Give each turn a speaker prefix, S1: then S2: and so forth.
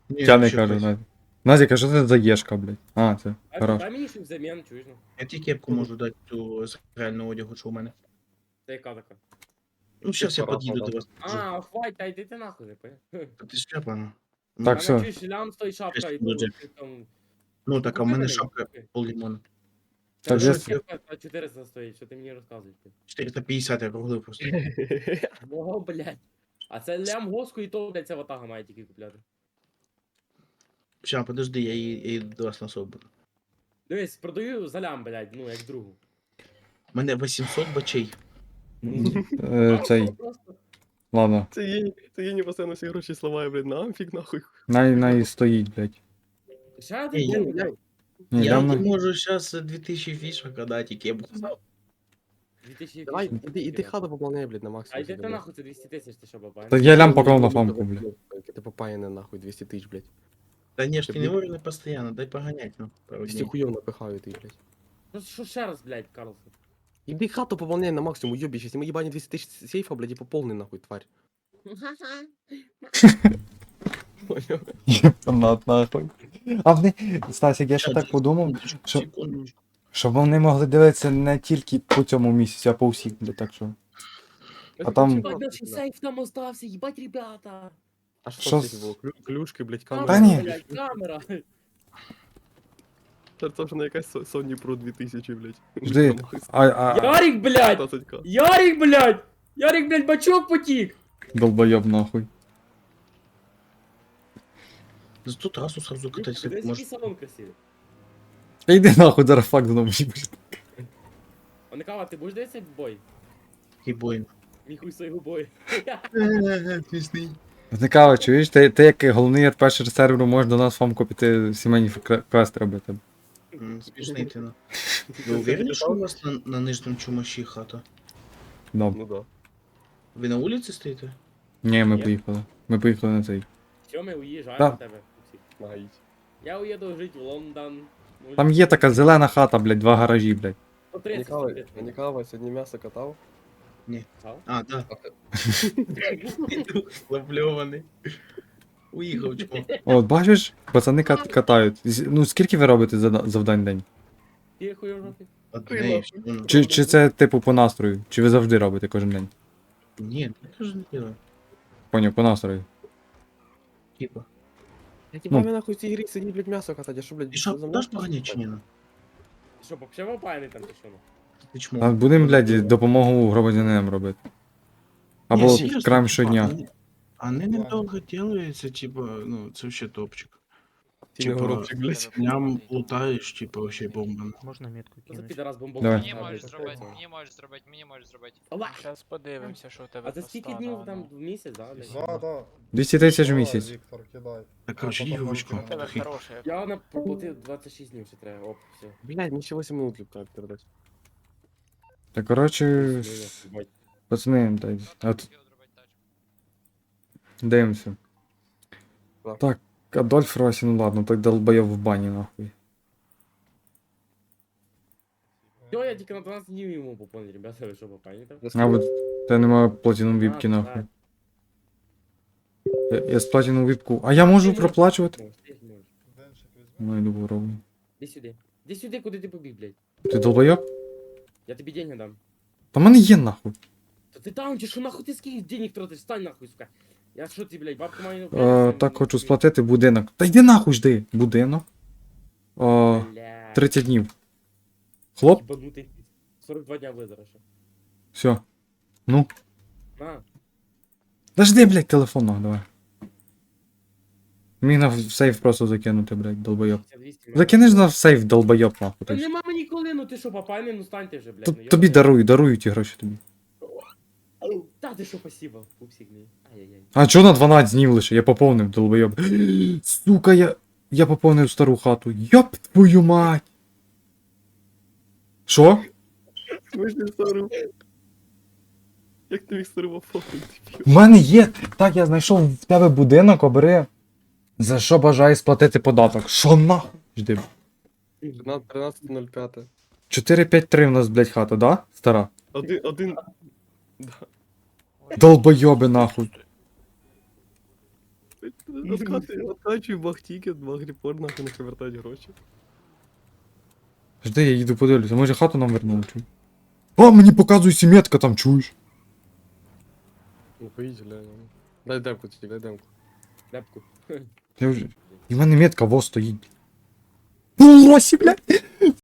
S1: Ні,
S2: Я не
S1: вообще
S2: кажу,
S1: хватить.
S2: Назік. Назік, а що це за єшка, блядь? А, це,
S3: А
S2: хорош.
S3: дай мені щось взамін, чуєш, ну?
S1: Я тільки кепку можу дати ту з реального одягу, що у мене.
S3: Це яка така?
S1: Ну, зараз я
S4: пора
S1: під'їду до
S4: подав.
S1: вас. покажу.
S3: А, хватить, та йди ти нахуй, не понял?
S1: Та ти шляпа, ну.
S2: Так,
S3: А
S2: все.
S3: на чуєш, лям стоїть шапка і
S1: Дуже.
S3: ти там...
S1: Ну так, а в мене
S3: Купи
S1: шапка
S3: купи.
S1: пол лимона.
S2: Так,
S3: Та
S2: я-
S3: що кепка 400 стоїть, що ти мені розказуєш?
S1: 450 я круглив просто.
S3: О, блядь. А це лям госку і то, блядь, ця ватага має тільки купляти.
S1: Ща, подожди, я її до вас на собі.
S3: Дивись, продаю за лям, блядь, ну, як другу.
S1: У мене 800 бачей.
S2: Цей,
S3: Просто.
S2: ладно.
S4: Це Єні постійно всі гроші сламає, блядь, на амфік нахуй.
S2: Най стоїть, блядь.
S3: Ще
S1: Ні,
S3: один
S1: я-
S3: день, блядь.
S2: Ні,
S1: Я
S2: дам
S1: не
S2: на...
S1: можу зараз 2000 фішок дати, кепку.
S3: 2000
S4: Давай,
S3: фішок.
S4: іди хату пополняй, блядь, на
S3: А
S4: максимум.
S3: йди
S4: собі,
S3: ти
S4: блядь.
S3: нахуй, це 200 тисяч, ти що, баба?
S2: Та я лям поклав на фамку, блядь.
S4: Ти попаяне нахуй 200 тисяч, блядь.
S1: Та ні, ж ти не можеш постійно, дай поганять, ну, пару
S4: 200
S1: днів.
S4: хуйов напихаю ти, блядь.
S3: Що ще раз, блядь, Карлсон?
S4: Іди хату пополняй на максимум, уйобище. Если мы ебани 200 тысяч сейфа, блядь, и пополни нахуй, тварь. Понял?
S2: Єпанат, нахуй. А вони, Стасік, я ще так подумав, що-
S1: Секундочку.
S2: щоб вони могли дивитися не тільки по цьому місяці, а по всіх, блядь, так що. А там-
S3: Ебать, наш сейф там остався, ебать, ребята.
S4: А
S2: Що
S4: что там
S2: з-
S4: сейфе было? Клюшки, блядь,
S3: Камера,
S4: камера.
S2: Та ні.
S3: блядь, камера.
S4: Це ж не якась Sony Pro 2000, блядь.
S2: Жди, а
S3: Ярик, блядь!
S4: 15к.
S3: Ярик, блядь! Ярик, блядь, бачок потік!
S2: долбойоб, нахуй.
S1: За ту трасу сразу катать,
S3: Дивись, який
S1: может.
S3: салон красивий.
S2: Та йди нахуй, зараз факт знову їбеш.
S3: А Никава, ти будеш дивитися бой?
S1: Ебой.
S3: Ніхуй свого бою.
S1: Смешный.
S2: Зникава, чуєш, ти як головний РПшер серверу можеш до нас фамку піти сімейні квести робити.
S1: Смешный ты, ну. Вы уверены, что у вас на нижнем чумаші хата?
S2: Да.
S4: Ну да.
S1: Ви на улице стоите?
S2: Ні, ми
S3: Ні.
S2: поїхали. Ми поїхали на цей.
S3: Все, ми уїжджаємо
S2: Да.
S3: на тебе. Всі.
S4: Нагаїть.
S3: Я уїду жити в Лондон. Ну,
S2: Там є така зелена хата, блядь, два гаражі, блядь.
S3: по 30
S4: Ніколай,
S3: сюди.
S4: Ніколай, сьогодні м'ясо катав.
S3: Катав?
S1: А, да. Сплавльований. Уїхав, чмо.
S2: От, бачиш, пацани катають. Ну скільки ви робите завдань в день?
S3: Ти хуй в жопі?
S1: Одне і все. Ну,
S2: Чи це типу по настрою? Чи ви завжди робите кожен день?
S1: Ні, я теж не делаю.
S2: Поняв, по настрою.
S1: Типа.
S4: Я
S2: Ну.
S4: тебе нахуй в цій грі сидіть, блядь, м'ясо катати, а що, блядь,
S1: Ти що,
S4: за
S1: даш
S4: м'ясо
S1: поганять чи
S4: катати?
S1: ні? ну?
S3: Ти що, вообще вопаяний там чи що? ну?
S1: Ти
S2: А
S1: чмо.
S2: будемо, блядь, допомогу громадянинам робити. Або
S1: Ні, серйозно,
S2: крайм
S1: типа,
S2: щодня.
S1: Вони недовго делаються, типа, ну, це вообще топчик.
S4: Ти не
S1: Типа,
S4: горобчик, блядь.
S1: Прям лутаєш, типа, вообще бомба.
S5: Можна метку
S3: Що за
S5: кинути?
S3: підарас бомбок?
S2: Давай.
S6: Мені можеш зробити, мені можеш зробити.
S5: Зараз подивимося, що у тебе
S3: А за скільки днів там в місяць, да? блядь?
S7: Да, да.
S2: 200 тисяч в
S7: Давай,
S2: місяць.
S7: Віктор, кидай.
S1: Так, короче,
S7: Потім
S1: дівочку.
S7: нам
S5: У тебе
S7: кинемо.
S5: хороше.
S3: Я на проплатив 26 днів ще треба, оп, все.
S4: Блядь, мені ще 8 минут треба передати.
S2: Та коротше,
S3: Ебать.
S2: пацани, дай. От,
S6: Його зробити тачку.
S2: дивимося.
S4: Так.
S2: Так, Адольф Росі, ну ладно, так долбойов в бані, нахуй.
S3: Все, я тільки на 12 днів йому поповню, ребята, ви що попані там?
S2: А от те немає платіном віпки,
S3: А,
S2: нахуй.
S3: так.
S2: Я з платіном віпку. А я можу
S3: Ти
S2: проплачувати?
S3: можеш, ти можеш.
S7: Денчик візьми.
S2: Ну, йду вороблю.
S3: Іди сюди. Іди сюди, куди ти побіг, блядь.
S2: Ти долбойоб?
S3: Я тобі деньги дам.
S2: Та в мене є, нахуй.
S3: Та ти там, чи що нахуй ти скільки денег тратиш? Стань нахуй, сука. Я що ти, блядь, бабка маю...
S2: Так, хочу сплатити будинок. Та йди нахуй жди. Будинок. 30 днів. Хлоп,
S3: Ебанутий. 42 дня визера ще.
S2: все. Ну.
S3: На.
S2: Дожди, блядь, телефон, нахуй, давай. Міг на сейф просто закинути, блядь, долбойоб.
S3: 200
S2: Закинеш на сейф, долбойоб, нахуй.
S3: Та
S2: ти ж.
S3: нема мені коли, ну ти що, попайний, ну стань ти вже, блядь. ну,
S2: Тобі
S3: йобаний.
S2: дарую ті гроші тобі.
S3: Та ти що, спасибо, пупсик мій. Ай-яй-яй.
S2: А чого на 12 днів лише? Я поповнив, долбойоб. Сука, я поповнив стару хату. Йоп твою мать. Що?
S4: Смішний стару. Як ти міг стару оформити?
S2: У мене є. Так, я знайшов в тебе будинок, обери. За що бажаю сплатити податок? Що нахуй? Жди.
S4: 13.05.
S2: 453 в нас, блядь, хата, да? Стара.
S4: Один.
S2: Долбойоби нахуй.
S4: Откачуй бахтікет, багріпор, нахуй, нехай вертають гроші.
S2: Жди, я їду подивлюся, може хату нам вернули, чуй. О, мені показує сім'ятка там, чуєш?
S4: Ну, поїдь, глянь. Дай демку тільки, дай демку.
S3: Лепку.
S2: Я вже... І в мене метка во стоїть. Лосі, блядь!